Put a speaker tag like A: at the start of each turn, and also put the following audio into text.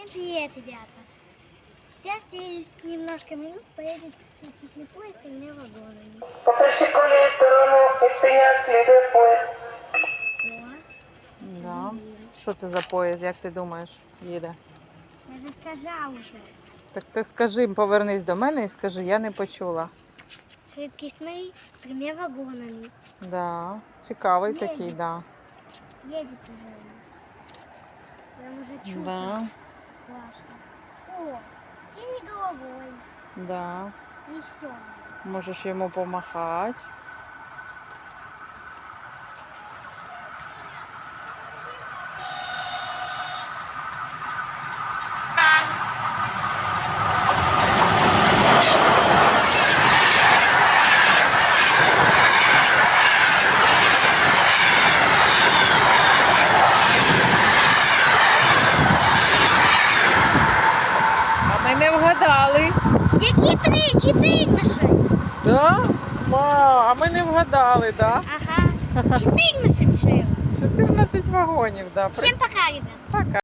A: Всем привет, ребята! Сейчас через немножко минут поедет транспортный поезд с тремя вагонами.
B: Покажи колею сторону відчиня слідує поїзд.
A: О,
C: Да. Що це за поїзд, як ти думаєш, їде?
A: я же сказал уже.
C: Так ти скажи, повернись до мене і скажи, я не почула.
A: Швидкісний с тремя вагонами.
C: Да. Цікавий
A: Їде.
C: такий, да.
A: Едет уже. Прям уже чудо.
C: Да.
A: Классно. О, синей головой.
C: Да.
A: Веселый.
C: Можеш йому помахати. А ми не вгадали.
A: Які три? Чотири наші.
C: Да? Вау, а ми не вгадали, да?
A: Ага. Чотири наші.
C: 14 вагонів, да.
A: Всем пока, ребят.
C: Пока.